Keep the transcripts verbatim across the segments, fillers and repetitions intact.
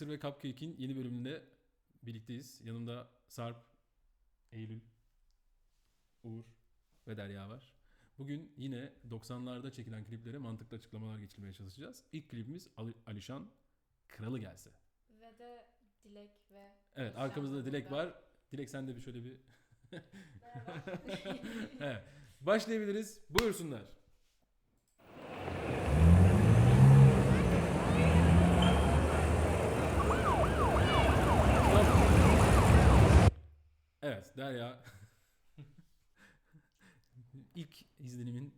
Butter ve Cupcake'in yeni bölümünde birlikteyiz. Yanımda Sarp, Eylül, Uğur ve Derya var. Bugün yine doksanlarda çekilen kliplere mantıklı açıklamalar geçirmeye çalışacağız. İlk klibimiz Ali- Alişan Kralı Gelse. Ve de Dilek ve... Evet, Alişan arkamızda da Dilek burada. var. Dilek sen de bir şöyle bir... Merhaba. Evet, başlayabiliriz. Buyursunlar. Evet, Derya. İlk izlenimin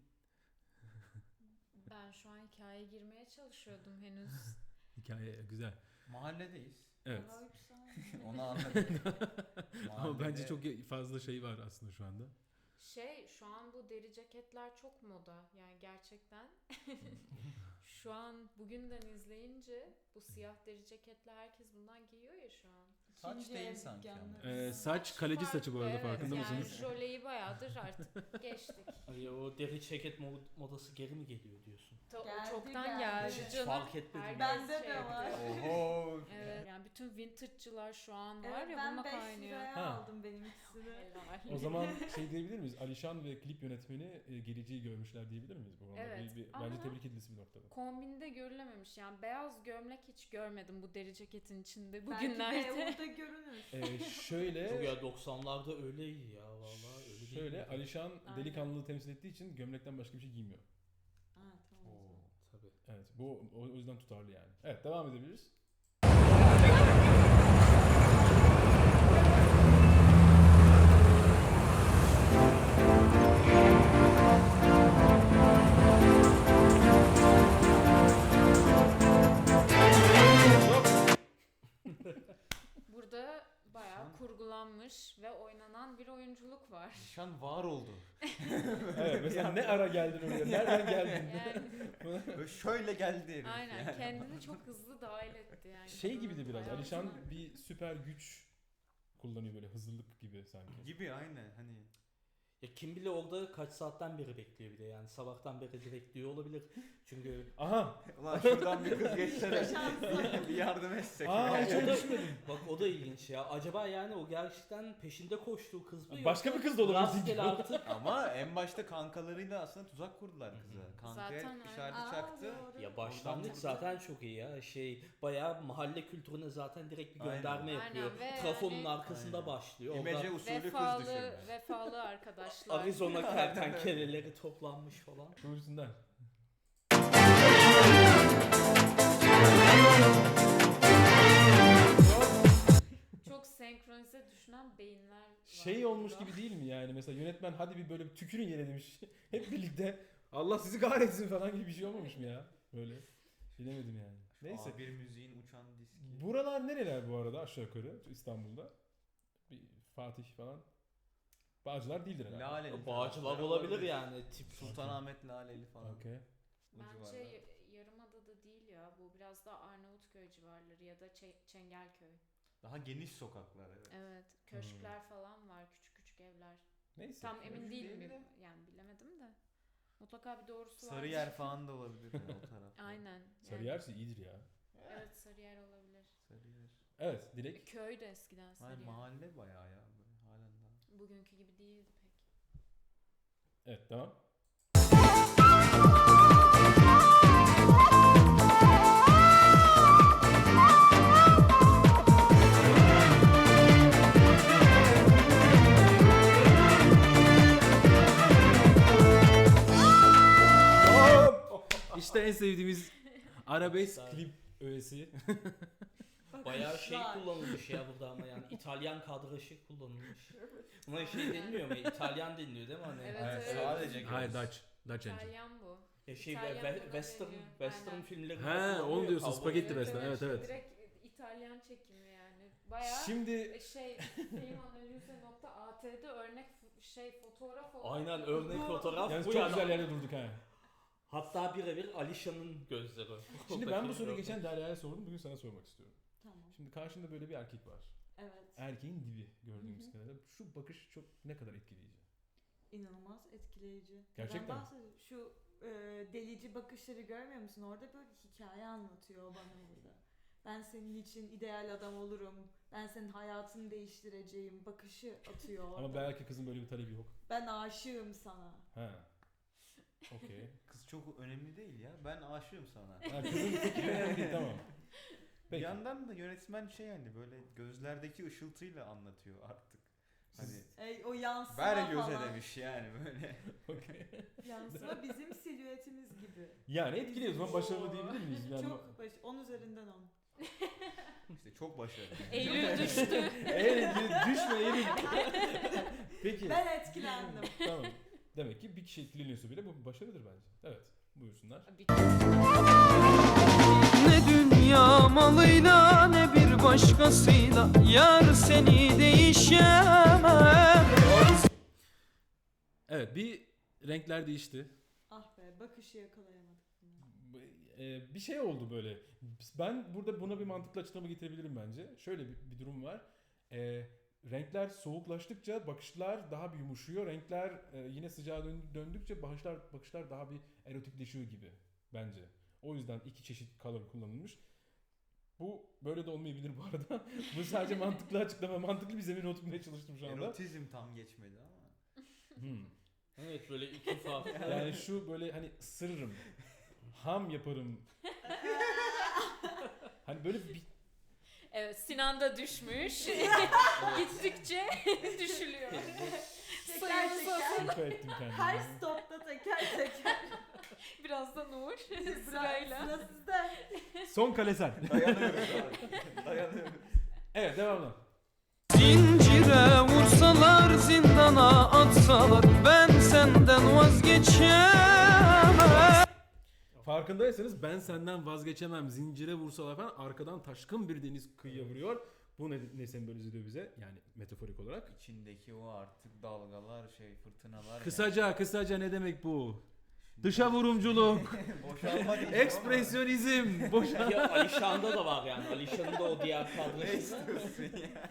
Ben şu an hikayeye girmeye çalışıyordum henüz. hikaye güzel. Mahalledeyiz. Evet. Daha güzel. Onu anladık. Ama bence Mahallede- çok fazla şey var aslında şu anda. Şey, şu an bu deri ceketler çok moda. Yani gerçekten. Şu an bugünden izleyince bu siyah deri ceketler herkes bundan giyiyor ya şu an. Saç İkinci değil el sanki ama. dükkanları. Ee, saç kaleci saçı bu arada, Evet, farkında yani mısınız? jöleyi bayağıdır artık geçtik. Hani o deri ceket mod- modası geri mi geliyor diyorsun? To- Geldi, çoktan geldi. geldi Hiç canım. fark etmedim. Herkes Bende şey de var. yapıyor. Oho. Evet, yani bütün vintage'cılar şu an var Evet, ya ben bununla beş kaynıyor. liraya Ha. aldım benim ikisini. Helal. O zaman şey diyebilir miyiz? Alişan ve klip yönetmeni e, geleceği görmüşler diyebilir miyiz bu konuda? Evet, Bir- bir- ama- bence tebrik edilisi bir noktada. Kombinde görülememiş yani beyaz gömlek hiç görmedim bu deri ceketin içinde Belki bugünlerde. Beyoğlu'da görünür. Ee, Yok şöyle ya doksanlarda öyleydi ya vallahi öyle değil. şöyle miydi? Alişan Aynen. delikanlılığı temsil ettiği için gömlekten başka bir şey giymiyor. Ha tamam. o zaman. Oo, tabii. Evet, bu o, o yüzden tutarlı yani. Evet, devam edebiliriz. Burada bayağı Şu an- kurgulanmış ve oynanan bir oyunculuk var. Şu an var oldu. Evet, mesela ne ara geldin oraya? Nereden geldin? Yani Böyle şöyle geldi herif. aynen kendini çok hızlı dahil etti yani. Şey gibi de biraz, Hayatına. Alişan bir süper güç kullanıyor, böyle hızlılık gibi sanki. Gibi aynen hani. Ya kim bilir orada kaç saatten beri bekliyor bir de yani sabahtan beri de bekliyor olabilir. Çünkü Aha! Ulan şuradan bir kız geçse de Şanslı. bir yardım etsek. Aa, ya. hiç o öyle da, düşünmedim. bak o da ilginç ya. Acaba yani o gerçekten peşinde koştuğu kız mı? Başka yoksa bir kız da olabilir. rastgele artık. Ama en başta kankalarıyla aslında tuzak kurdular kıza. Kankaya Zaten işareti Aa, çaktı. doğru. Ya başlangıç Oradan- zaten çok iyi ya. Şey bayağı mahalle kültürüne zaten direkt bir Aynen. gönderme Aynen yapıyor. ve Trafonun yani- arkasında Aynen. başlıyor. İmece Orada usulü kız Vefalı, düşürme. vefalı arkadaşlar. Arizona kertenkeleleri toplanmış falan. Buyursunlar. Çok senkronize düşünen beyinler var. Şey olmuş burada. gibi değil mi yani, mesela yönetmen hadi bir böyle bir tükürün yere demiş. Hep birlikte Allah sizi kahretsin falan gibi bir şey olmamış mı ya? Böyle bilemedim yani. Neyse. Bir müziğin uçan diski. Buralar nereler bu arada aşağı yukarı İstanbul'da? Bir Fatih falan. Bağcılar değildir herhalde. Laleli. Bağcılar tarafları olabilir yani tip. Sultanahmet Laleli falan. Okey. O Bence civarlar. y- Yarımada'da değil ya. Bu biraz daha Arnavutköy civarları ya da Çe- Çengelköy. Daha geniş sokaklar evet. Evet. Köşkler falan var. Küçük küçük evler. Neyse. Tam emin köşk değilim. değil de. Yani bilemedim de. Mutlaka bir doğrusu var. Sarıyer falan da olabilir yani o tarafta. Aynen. Yani- Sarıyer'si iyidir ya. Evet, Sarıyer olabilir. Sarıyer. Evet, Dilek. Köy de eskiden Hayır Sarıyer. mahalle bayağı ya böyle halen daha. Bugünkü gibi değildi pek. Evet, devam. İşte en sevdiğimiz arabesk klip öğesi. Bayağı şey Bakışlar. kullanılmış ya burada ama yani İtalyan kadraşı kullanılmış. Buna şey deniliyor mu? İtalyan deniliyor değil mi hani? Evet, Evet, evet. sadece Hayır, Dutch. Dutch engine. İtalyan bu. Ya şey İtalyan ve- buna western deniyor. western Aynen. filmleri. He, onu diyorsun, spagetti western, evet, evet. Direkt İtalyan çekimi yani. Bayağı Şimdi şey filmanalize.at'de örnek f- şey fotoğraf olarak. Aynen örnek Bu- fotoğraf yani bu çok yani. güzel yerde durduk ha. Hatta birebir Alişan'ın gözleri. Şimdi ben bu Oradaki soruyu gördüm. geçen Derya'ya sordum. Bugün sana sormak istiyorum. Tamam. Şimdi karşında böyle bir erkek var. Evet. Erkeğin dibi gördüğümüz Hı hı. kadarıyla. Şu bakış çok ne kadar etkileyici. İnanılmaz etkileyici. Gerçekten. Ben bahsediyorum. Şu e, delici bakışları görmüyor musun? Orada böyle hikaye anlatıyor o bana burada. Ben senin için ideal adam olurum. Ben senin hayatını değiştireceğim bakışı atıyor orada. Ama belki kızın böyle bir talebi yok. Ben aşığım sana. Ha. Okey. Kız çok önemli değil ya. Ben aşığım sana. Ha, kızın fikri önemli değil, tamam. Bir Peki. yandan da yönetmen şey yani böyle gözlerdeki ışıltıyla anlatıyor artık. Hani Ey, o yansıma ver göze falan. demiş yani böyle. Okey. Yansıma bizim silüetimiz gibi. Yani etkiliyor o zaman başarılı diyebilir miyiz? Yani Çok baş... on üzerinden on. İşte çok başarılı. Eylül düştü. Eğer düşme Eylül. Peki. Ben etkilendim. Tamam. Demek ki bir kişi etkileniyorsa bile bu bir başarıdır bence. Evet. Buyursunlar. Bir- Ne dünya malıyla ne bir başkasıyla yar seni değişemem. Evet, bir renkler değişti. Ah be, bakışı yakalayamadık. Ee, bir şey oldu böyle. Ben burada buna bir mantıklı açıklama getirebilirim bence. Şöyle bir, bir durum var. Ee, renkler soğuklaştıkça bakışlar daha bir yumuşuyor. Renkler e, yine sıcağa dön- döndükçe bakışlar bakışlar daha bir erotikleşiyor gibi bence. O yüzden iki çeşit color kullanılmış. Bu böyle de olmayabilir bu arada. Bu sadece mantıklı açıklama, mantıklı bir zemin oturtmaya çalıştım şu anda. Erotizm tam geçmedi ama. Hmm. Evet böyle iki farklı. Yani şu böyle hani ısırırım, ham yaparım. Hani böyle bir Evet, Sinan da düşmüş. Gittikçe düşülüyor. Teker Sayımız teker. olsun. şüphe ettim kendime. Her stopta teker teker. Biraz da Nur Sıra, sırayla. sıra sizde. Son kale sen. Dayanıyoruz abi. Dayanıyoruz. Evet, devamlı. Zincire vursalar zindana atsalar ben senden vazgeçemem. Farkındaysanız ben senden vazgeçemem, zincire vursalar falan arkadan taşkın bir deniz kıyıya vuruyor. Bu ne, ne sembolize ediyor bize? Yani metaforik olarak. İçindeki o artık dalgalar şey fırtınalar. Kısaca kısaca ne demek bu? Dışa vurumculuk, Yani. Boşalma değil. ekspresyonizm, boşa... Ya Alişan'da da var yani. Alişan'ın da o diğer Ne kadrosu. istiyorsun ya?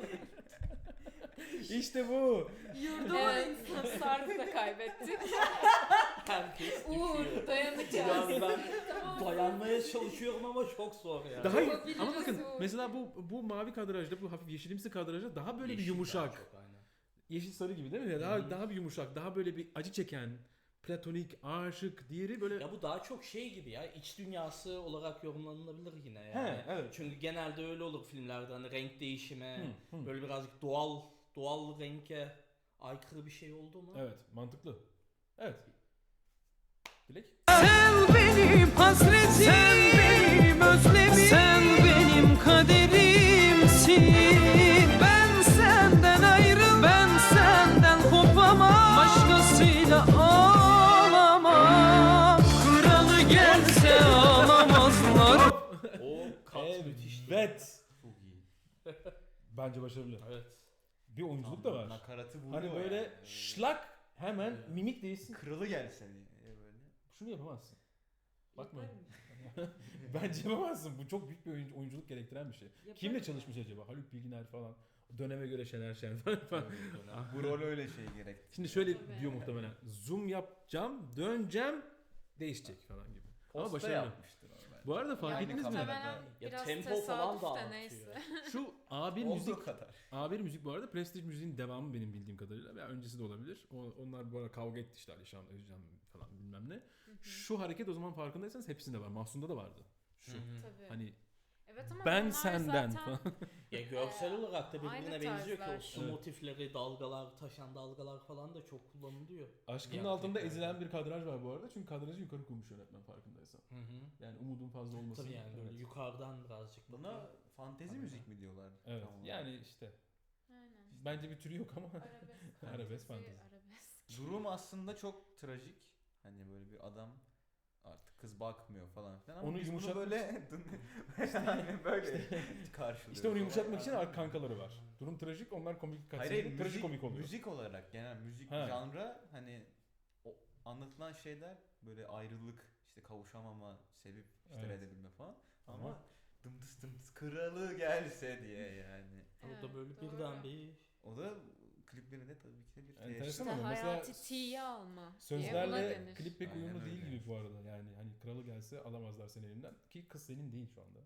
İşte bu. Yurdumun Evet, insanı. Sarp'ı da kaybettik. Herkes Uğur, düşüyor. dayanacağız. Yani ben dayanmaya çalışıyorum ama çok zor yani. Daha Yapabiliriz ama bakın bu. mesela bu bu mavi kadrajda, bu hafif yeşilimsi kadrajda daha böyle bir Yeşil daha yumuşak. çok, aynen. Yeşil sarı gibi değil mi? Daha Hı hı. daha bir yumuşak, daha böyle bir acı çeken, platonik, aşık, diğeri böyle. Ya bu daha çok şey gibi ya, iç dünyası olarak yorumlanılabilir yine yani. He, evet. Çünkü genelde öyle olur filmlerde, hani renk değişimi, Hı, hı. böyle birazcık doğal doğal renke aykırı bir şey oldu mu? Evet, mantıklı. Evet. Dilek. Sen benim hasretim, sen benim özlemim, sen benim kaderimsin. Ben senden ayrıl, ben senden kopamam, başkasıyla ağlamam. Kralı gelse ağlamazlar. O kat müthişti. Evet. Çok iyi. Bence başarılı. Evet. Bir oyunculuk da var. Nakaratı vuruyor Hani böyle yani. şlak hemen mimik değilsin. Kralı gelse diye böyle. Şunu yapamazsın. Bakma. Yaparım. Bence yapamazsın. Bu çok büyük bir oyuncu- oyunculuk gerektiren bir şey. Yaparım. Kimle çalışmış acaba? Haluk Bilginer falan. Döneme göre Şener Şen falan. Bu rol öyle şey gerekti. Şimdi şöyle Tabii. diyor muhtemelen. Zoom yapacağım, döneceğim, değişecek falan gibi. Ama Posta başarılı. yapmıştır o belki. Bu arada fark Yani ettiniz mi? muhtemelen kamerada. Ya biraz tempo tesadüf falan da de artıyor. neyse. Şu A bir Olduğu müzik kadar. A bir müzik bu arada Prestige müziğin devamı benim bildiğim kadarıyla veya öncesi de olabilir. O, onlar bu arada kavga etti işte Alişan, Özcan falan bilmem ne. Şu hareket o zaman farkındaysanız hepsinde var. Mahsun'da da vardı. Şu. Hı hı. Tabii. Hani Evet ama ben bunlar senden zaten- falan. Ya görsel Ee, olarak da birbirine aynı benziyor ki o tarzlar. su Evet. motifleri, dalgalar, taşan dalgalar falan da çok kullanılıyor. Aşkının Yani altında tekrar. ezilen bir kadraj var bu arada. Çünkü kadrajı yukarı kurmuş yönetmen farkındaysan. Hı hı. Yani umudun fazla olmasın. Tabii yani böyle Evet. yukarıdan birazcık Buna bakıyor. fantezi Aynen. müzik mi diyorlar? Evet. Tam olarak? Yani işte Aynen. bence bir türü yok ama Arabesk. Arabesk fantezi, fantezi. Arabesk. Durum aslında çok trajik. Hani böyle bir adam artık kız bakmıyor falan filan ama Onu biz bunu yumuşatmak böyle yani böyle karşılıyoruz. İşte onu yumuşatmak için Ama- ar- kankaları var. Durum trajik, onlar komik Hayır, kaçıyor. hayır Trajik müzik, komik oluyor. müzik olarak genel müzik Ha. janra hani o anlatılan şeyler böyle ayrılık, işte kavuşamama, sevip işte Evet. reddedebilme falan Ama- ama dımtıs dımtıs kralı gelse diye yani. Orada Evet, böyle doğru. birden bir O da kliplerinde tabii ki de bir Enteresan teşhis. İşte ama mesela hayati T'yi alma diye buna Sözlerle denir. klip pek Aynen uyumlu öyle. değil gibi bu arada. Yani hani kralı gelse alamazlar seni elimden. Ki kız senin değil şu anda.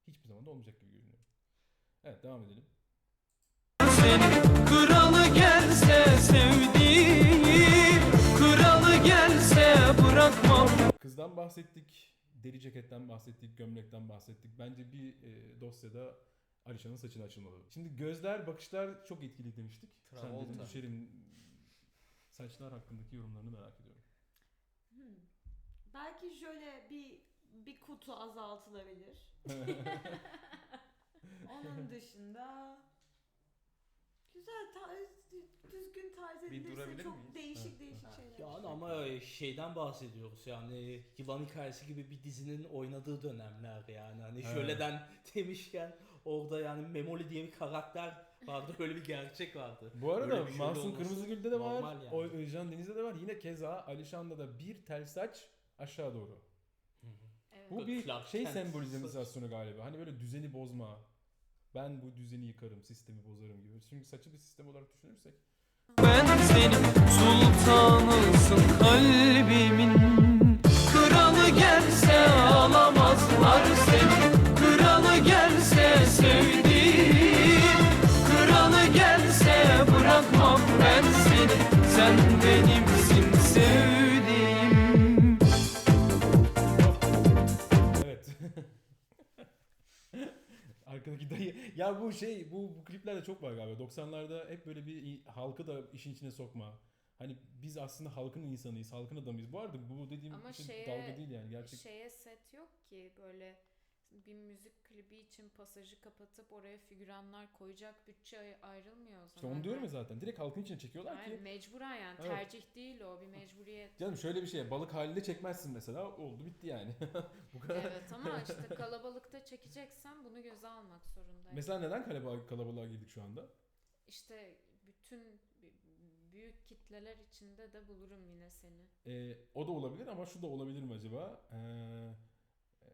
hiçbir zaman da olmayacak gibi görünüyor. Evet, devam edelim. Seni kralı gelse sevdiğim, kralı gelse bırakmam. Kızdan bahsettik, deri ceketten bahsettik, gömlekten bahsettik. Bence bir e, dosyada Alişan'ın saçını açılmalı. Şimdi gözler, bakışlar çok etkili demiştik. Sen Travolta. dedim düşerim. Saçlar hakkındaki yorumlarını merak ediyorum. Hmm. Belki şöyle bir bir kutu azaltılabilir. Onun dışında güzel tarz, düzgün tarz Bir edilirse durabilir çok miyiz? değişik Evet. değişik Ha. şeyler. Yani ama şeyden bahsediyoruz yani Yılan Hikayesi gibi bir dizinin oynadığı dönemler yani hani Evet. şöyleden demişken orada yani Memoli diye bir karakter vardı, öyle bir gerçek vardı. Bu arada Böyle bir şöyle Mahsun olması Kırmızıgül'de de var, normal yani. o Özcan Deniz'de de var. Yine keza Alişan'da da bir tel saç aşağı doğru. Evet. Bu bir Clark şey Kent sembolizasyonu galiba. Hani böyle düzeni bozma. Ben bu düzeni yıkarım, sistemi bozarım gibi. Çünkü saçı bir sistem olarak düşünürsek. Ben senin sultanısın kalbimin. Kralı gelse alamazlar seni. Kralı gelse sevdiğim, kralı gelse bırakmam ben seni. Sen benimsin sevdiğim. Evet. Arkadaki dayı. Ya bu şey, bu, bu kliplerde çok var galiba. doksanlarda hep böyle bir halkı da işin içine sokma. Hani biz aslında halkın insanıyız, halkın adamıyız. Bu arada bu dediğim Ama şey şeye- dalga değil yani gerçek. Şeye set yok ki böyle bir müzik klibi için pasajı kapatıp oraya figüranlar koyacak bütçe ay- ayrılmıyor o İşte zaman. onu diyorum ya zaten. Direkt halkın içine çekiyorlar Yani ki. mecburen yani Evet. tercih değil o, bir mecburiyet. Canım şöyle bir şey, balık halinde çekmezsin mesela. Oldu bitti yani. Bu kadar. Evet ama işte kalabalıkta çekeceksen bunu göze almak zorundayım. Mesela neden kalabalığa, kalabalığa girdik şu anda? İşte bütün b- büyük kitleler içinde de bulurum yine seni. Ee, o da olabilir ama şu da olabilir mi acaba? Ee, e,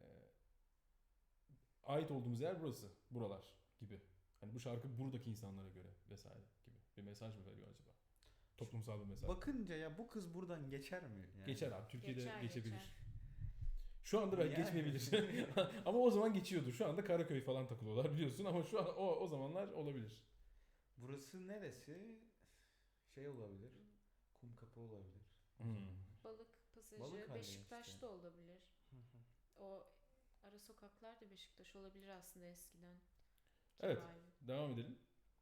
ait olduğumuz yer burası, buralar gibi. Hani bu şarkı buradaki insanlara göre vesaire gibi bir mesaj mı veriyor acaba? Toplumsal bir mesaj. Bakınca ya bu kız buradan geçer mi? Yani? Geçer abi, Türkiye'de Geçer, geçebilir. geçer. Şu anda belki Yani. geçmeyebilir. Ama o zaman geçiyordu. Şu anda Karaköy falan takılıyorlar biliyorsun ama şu an o, o zamanlar olabilir. Burası neresi? Şey olabilir. Kumkapı olabilir. Hmm. Balık pasajı Balık halde Beşiktaş'ta işte. olabilir. O ara sokaklar da Beşiktaş olabilir aslında eskiden. Evet. Kibari. Devam edelim.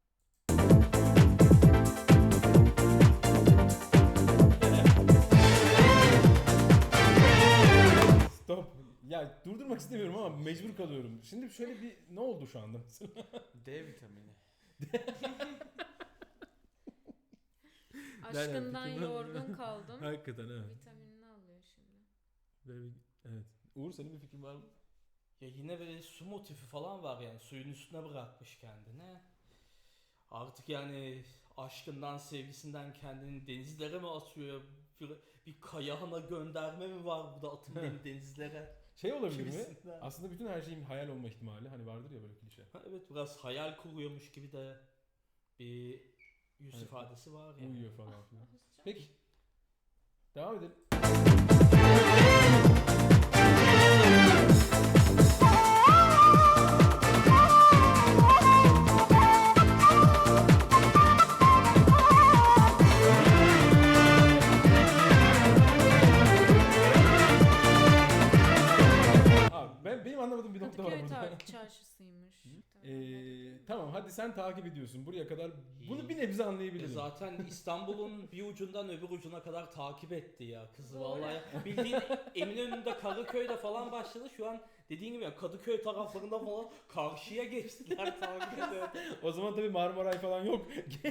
Stop. Ya durdurmak istemiyorum ama mecbur kalıyorum. Şimdi şöyle bir ne oldu şu anda mesela? D vitamini. Aşkından fikrim var. yorgun kaldım. Hakikaten evet. Vitaminini alıyor şimdi. Böyle bir- Evet. Uğur senin bir fikrin var mı? Ya yine böyle su motifi falan var yani suyun üstüne bırakmış kendini. Artık yani aşkından, sevgisinden kendini denizlere mi atıyor? Bir, bir kayağına gönderme mi var burada, atın beni denizlere? Şey olabilir mi? Gibisinden. Aslında bütün her şeyin hayal olma ihtimali. Hani vardır ya böyle klişe. Ha, evet, biraz hayal kuruyormuş gibi de bir yüz Evet. ifadesi var yani. Uyuyor falan filan. Peki. Devam edelim. Abi ben benim anlamadığım bir nokta var Kadıköy burada. tar- çarşısıymış. Tamam, Ee, tamam hadi sen takip ediyorsun buraya kadar. Bunu bir nebze E anlayabilirim. zaten İstanbul'un bir ucundan öbür ucuna kadar takip etti ya kızı Doğru. vallahi. Bildiğin Eminönü'nde, Kadıköy'de falan başladı. Şu an dediğin gibi ya Kadıköy taraflarında falan karşıya geçtiler takip ediyor. O zaman tabii Marmaray falan yok.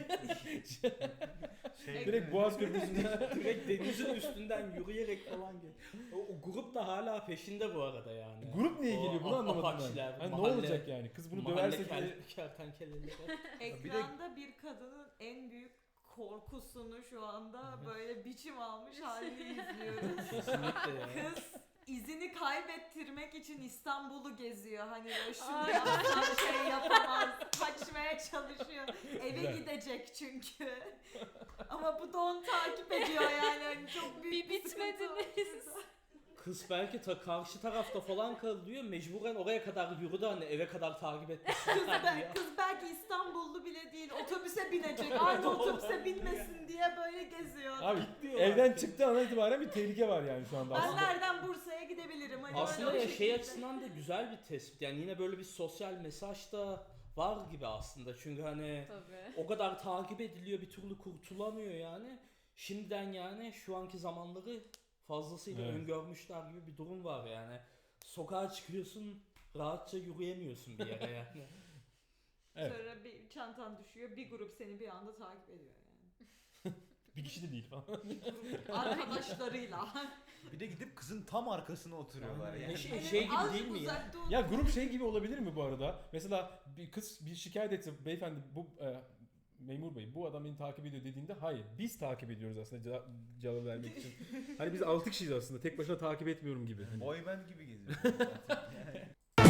Şey, Direkt Boğaz Köprüsü'nden. Direkt denizin üstünden yürüyerek falan geliyor. O, o grup da hala peşinde bu arada yani. Grup niye O geliyor bunu a- anlamadım ben. apaçiler, Hani ne mahalle- olacak yani? Kız bunu Mahalle döverse diye. kel- kertenkeleleri. Ekranda bir kadının en büyük korkusunu şu anda böyle biçim almış halini izliyoruz. Kesinlikle ya. Kız izini kaybettirmek için İstanbul'u geziyor. Hani böyle şunu Ay. yapsam şey yapamaz. Kaçmaya çalışıyor. Eve Güzel. gidecek çünkü. Ama bu da onu takip ediyor yani. Hani çok büyük Bir sıkıntı var bitmediniz. şurada. kız belki ta karşı tarafta falan kalıyor. Mecburen oraya kadar yürüdü hani eve kadar takip Kız, etmişler be- diye. kız belki İstanbullu bile değil, otobüse binecek. Aynı otobüse binmesin diye böyle geziyor. Abi Diyorlar evden ki. çıktığı andan itibaren bir tehlike var yani şu anda Ben aslında. nereden Bursa'ya gidebilirim? Hani Aslında böyle ya o şey şekilde. açısından da güzel bir tespit. Yani yine böyle bir sosyal mesaj da var gibi aslında. Çünkü hani Tabii. o kadar takip ediliyor bir türlü kurtulamıyor yani. Şimdiden yani şu anki zamanları fazlasıyla Evet. öngörmüşler gibi bir durum var yani. Sokağa çıkıyorsun rahatça yürüyemiyorsun bir yere yani. Evet. Sonra bir çantan düşüyor, bir grup seni bir anda takip ediyor yani. Bir kişi de değil falan. Arkadaşlarıyla. Bir de gidip kızın tam arkasına oturuyorlar Aynen. yani. Şey- şey gibi Azıcık değil mi ya? uzakta otur. Ya grup şey gibi olabilir mi bu arada? Mesela bir kız bir şikayet etse beyefendi bu e, memur bey bu adam beni takip ediyor dediğinde hayır biz takip ediyoruz aslında cevap, cevap vermek için. Hani biz altı kişiyiz aslında tek başına takip etmiyorum gibi. Hani. Boy band gibi geziyorsun zaten. Yani.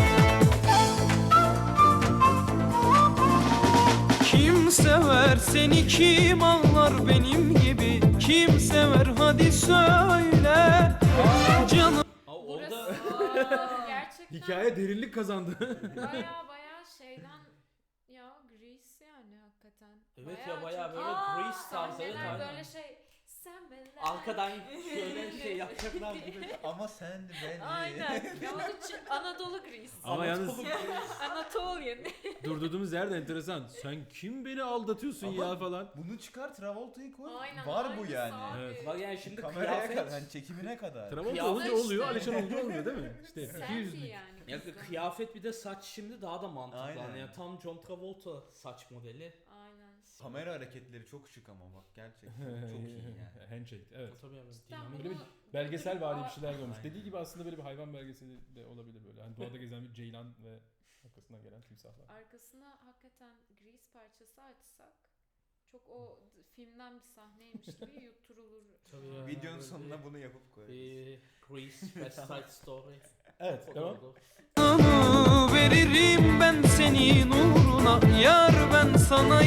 Kim sever seni kim ağlar benim gibi kim sever hadi söyle canım. Ha, Burası orada Aa, gerçekten Hikaye derinlik kazandı. baya baya şeyden ya Grease yani hakikaten. Evet Bayağı ya, bayağı çok- böyle Aa, Grease tarzı, evet, sahneler aynen. böyle şey sen beni arkadan şöyle şey yapacaklar gibi. Ama sen de ben de. Aynen. Ya o da Ç- Anadolu Grease. Ama yalnız Anatolian. durduğumuz yerde enteresan. Sen kim beni aldatıyorsun Ama- ya falan. Bunu çıkar Travolta'yı koy. Aynen, Var bu aynısı yani. abi. Evet. Bak yani şimdi Kameraya kıyafet. kadar, hani çekimine kadar. Travolta Kıyafet olunca oluyor, işte. Alişan olunca olmuyor değil mi? İşte iki Sandy yüzlük. yani. Ya kızın. kıyafet bir de saç şimdi daha da mantıklı. Aynen. Hani yani tam John Travolta saç modeli. Aynen. Kamera hareketleri çok şık ama bak gerçekten çok iyi yani. Handshake evet. Tabii yani Cidden dinamik. Böyle bir bunu- belgesel vari bir Aa, şeyler görmüş. Aynen. Dediği gibi aslında böyle bir hayvan belgeseli de olabilir böyle. Hani doğada gezen bir ceylan ve arkasından gelen timsahlar. Arkasına hakikaten Grease parçası açsak çok o d- filmden bir sahneymiş gibi yutturulur. Tabii ya. Videonun böyle sonuna bunu yapıp koyarız. Bir Grease West Side Story. Evet O da devam. olur. Canımı veririm ben senin uğruna yar ben sana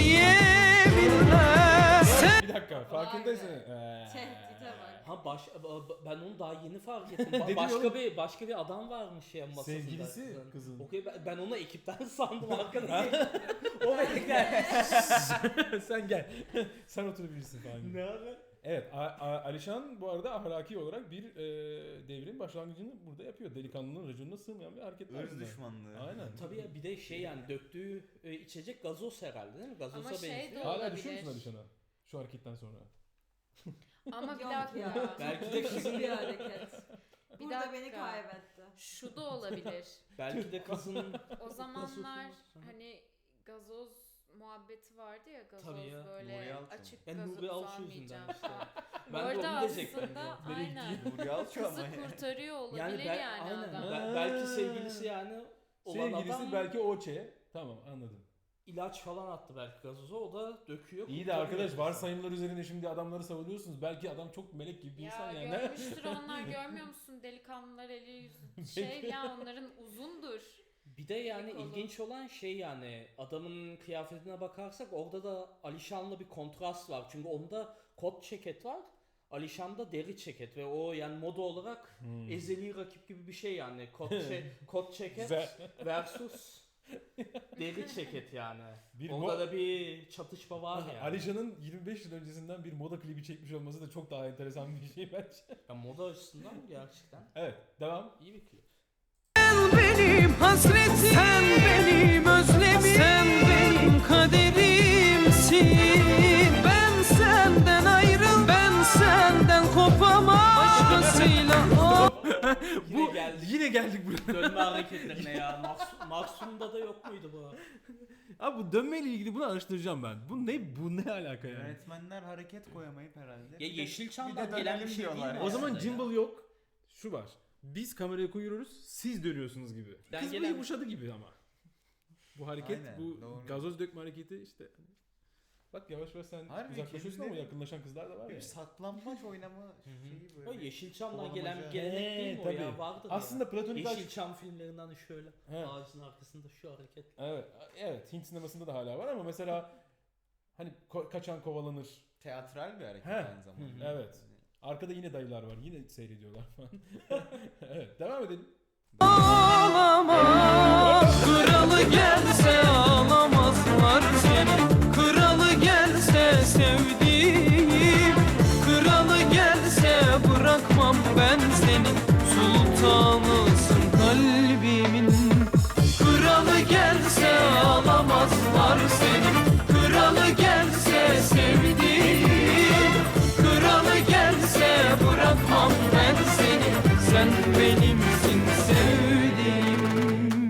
yeminle. Sen Bir dakika farkındaysın. Vay Ee, Tehdide bak. Ha baş, ba- ben onu daha yeni fark ettim. Ba- Dedim başka oğlum. bir başka bir adam varmış ya masasında. Sevgilisi kızın. Okey ben, ben onu ekipten sandım arkadaşlar. o bekler. Sen gel. Sen oturabilirsin falan. gibi. Ne abi? Evet, A- A- Alişan bu arada ahlaki olarak bir e, devrin başlangıcını burada yapıyor. Delikanlının raconuna sığmayan bir hareket var Irz bunda. düşmanlığı. Aynen. Tabii ya bir de şey yani döktüğü e, içecek gazoz herhalde değil mi? Gazoza Ama şey benziyor. de- Hala olabilir. düşüyor musun Alişan'a? Şu hareketten sonra. Ama bir Yok dakika. ya. Belki de Kızın kızın bir hareket. Bir Burada dakika. beni kaybetti. Şu da olabilir. belki de kızın O zamanlar Gazozu. hani gazoz muhabbeti vardı ya gazoz Tabii ya. Nuri böyle Alço. açık Ben gazoz Nuri Alço almayacağım yüzünden işte. falan. Bu Ben de arada onu diyecektim. aslında ya. aynen. Nuri Alço Kızı ama yani. kurtarıyor olabilir Yani, yani, ben, aynen. adam. Be- belki sevgilisi yani olan Sevgilisi adam belki Oçe. Tamam anladım. ilaç falan attı belki gazoza o da döküyor. İyi de kurtarıyor. arkadaş varsayımlar üzerine şimdi adamları savunuyorsunuz. Belki adam çok melek gibi bir Ya insan yani. görmüştür onlar görmüyor musun delikanlılar eli yüzü şey ya onların uzundur. Bir de yani Kolu. ilginç olan şey yani adamın kıyafetine bakarsak orada da Alişan'la bir kontrast var. Çünkü onda kot ceket var. Alişan'da deri ceket ve o yani moda olarak Hmm. ezeli rakip gibi bir şey yani. Kot, ce- kot ceket Güzel. versus deri ceket yani. Bir Onda mo- da bir çatışma var yani. Alişan'ın yirmi beş yıl öncesinden bir moda klibi çekmiş olması da çok daha enteresan bir şey bence. Ya moda açısından gerçekten Evet devam. iyi bir klip. benim hasretim sen benim özlemim sen benim kaderimsin. Ben senden ayrıl ben senden kopamam başkasıyla. Oh. Yine geldik. Yine geldik buraya. Dönme hareketlerine ya. Mahsun, Mahsun'da da yok muydu bu? Abi bu dönmeyle ilgili bunu araştıracağım ben. Bu ne bu ne alaka yani? Yönetmenler hareket koyamayıp herhalde. Ya Bir de- Yeşilçam'dan bir de gelen bir dönelim şey değil diyorlar mi O zaman aslında ya? gimbal yok. Şu var. Biz kamerayı koyuyoruz, siz dönüyorsunuz gibi. Ben Kız bu gelen- yumuşadı gibi ama. Bu hareket, Aynen, bu doğru. gazoz dökme hareketi işte. Bak yavaş yavaş sen Harbi uzaklaşıyorsun ama kendileri- yakınlaşan kızlar da var Bir ya. saklambaç oynama şeyi böyle. O Yeşilçam'dan Kovalamaca. gelen bir gelenek değil mi o He, ya? tabii. Vardır Aslında ya. platonik aşk. Yeşilçam filmlerinden hani şöyle He. ağacın arkasında şu hareket. Evet, evet Hint sinemasında da hala var ama mesela hani ko- kaçan kovalanır. Teatral bir hareket He. aynı zamanda. Evet. Arkada yine dayılar var. Yine seyrediyorlar falan. Evet, devam edelim. Ağlama, kralı gelse ağlamazlar seni. Kralı gelse sevdiğim, kralı gelse bırakmam ben seni. Sultanısın kalbimin. Kralı gelse ağlamazlar seni. Kralı gelse sevdiğim, kralı gelse bırakmam ben seni. Sen benimsin sevdiğim.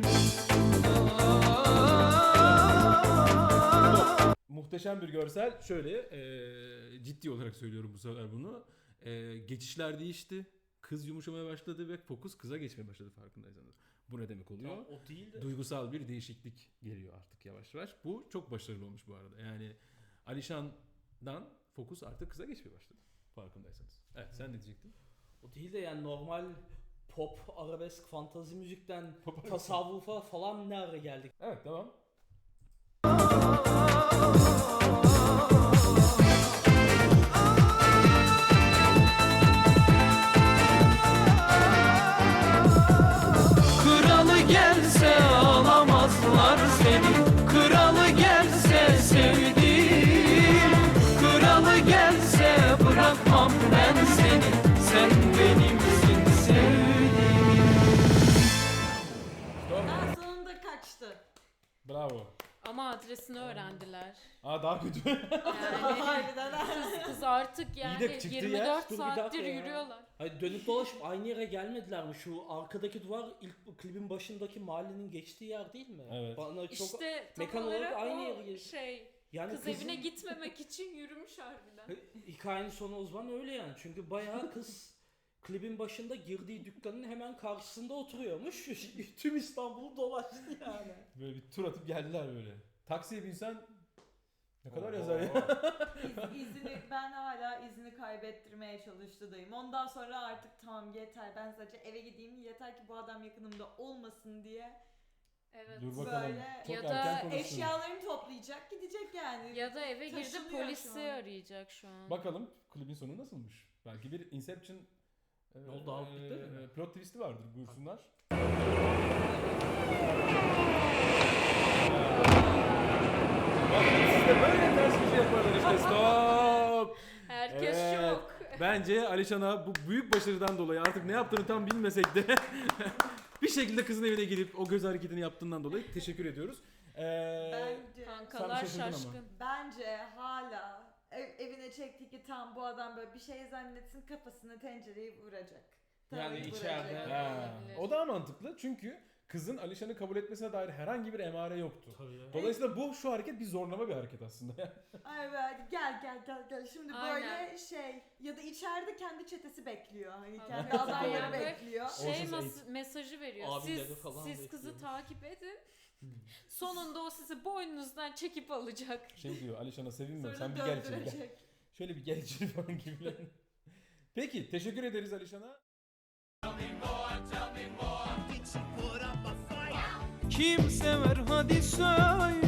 Muhteşem bir görsel. Şöyle e, ciddi olarak söylüyorum bu sefer bunu. E, geçişler değişti. Kız yumuşamaya başladı ve fokus kıza geçmeye başladı farkındaysanız. Bu ne demek oluyor? Tamam, o değil de. Duygusal bir değişiklik geliyor artık yavaş yavaş. Bu çok başarılı olmuş bu arada. Yani Alişan'dan fokus artık kıza geçmeye başladı. Farkındaysanız. Evet, sen ne diyecektin? O değil de yani normal pop, arabesk, fantazi müzikten tasavvufa falan ne ara geldik? Evet, devam. Kralı gelse ağlamazlar seni. Kralı gelse sevdiğim, kralı gelse bırakmam ben seni. Sen benimsin sevdiğim. Stop. Daha sonunda kaçtı. Bravo. Ama adresini öğrendiler. Aa, daha kötü. Yani Harbiden ha. kız, kız artık yani de çıktığı yirmi yer- dört Dur bir dakika saattir ya. yürüyorlar. Hayır, dönüp dolaşıp aynı yere gelmediler mi? Şu arkadaki duvar ilk bu klibin başındaki mahallenin geçtiği yer değil mi? Evet. Bana çok İşte tam mekan olarak olarak aynı o yere geliyor. şey yani kız kızın- evine gitmemek için yürümüş harbiden. Hikayenin sonu o zaman öyle yani. Çünkü bayağı kız klibin başında girdiği dükkanın hemen karşısında oturuyormuş. Tüm İstanbul'u dolaştı yani. Böyle bir tur atıp geldiler böyle. Taksiye binsen ne kadar Oo. yazar ya? İz, izini, ben hala izini kaybettirmeye çalıştığım. Ondan sonra artık tamam yeter, ben sadece eve gideyim, yeter ki bu adam yakınımda olmasın diye Evet. Dur bakalım. Böyle Çok Ya da erken konuştun. eşyalarını toplayacak, gidecek yani. Ya da eve girdi Taşınıyor şu polisi an. arayacak şu an. Bakalım klibin sonu nasılmış? Belki bir Inception e, Ne oldu abi, bitti mi? e, plot twist'i vardır, buyursunlar. Bak, siz de böyle ters bir şey yaparlar işte. Stop. Herkes Evet. şok. Bence Alişan'a bu büyük başarıdan dolayı artık ne yaptığını tam bilmesek de bir şekilde kızın evine gidip o göz hareketini yaptığından dolayı teşekkür ediyoruz. Ee, Bence, Kankalar şaşırdın ama. şaşkın. bence hala ev- evine çekti ki tam bu adam böyle bir şey zannetsin, kafasına tencereyi vuracak. Yani Tabii içeride- vuracak. ha, Olabilir. o daha mantıklı çünkü kızın Alişan'ı kabul etmesine dair herhangi bir emare yoktu. Tabii ya. Dolayısıyla bu şu hareket bir zorlama bir hareket aslında. Ay be, gel gel gel gel. Şimdi Aynen. böyle şey ya da içeride kendi çetesi bekliyor. Hani Tabii. kendi Evet, adayları doğru. bekliyor. Şey Ocean's mas- Eight. mesajı veriyor. Abileri Siz, falan siz kızı bekliyormuş. takip edin. Sonunda o sizi boynunuzdan çekip alacak. Şey diyor, Alişan'a sevinme Sonra sen bir gel içeri gel. döndürecek. Şöyle bir gel içeri falan gibi. Peki, teşekkür ederiz Alişan'a. Kim sever hadi söyle.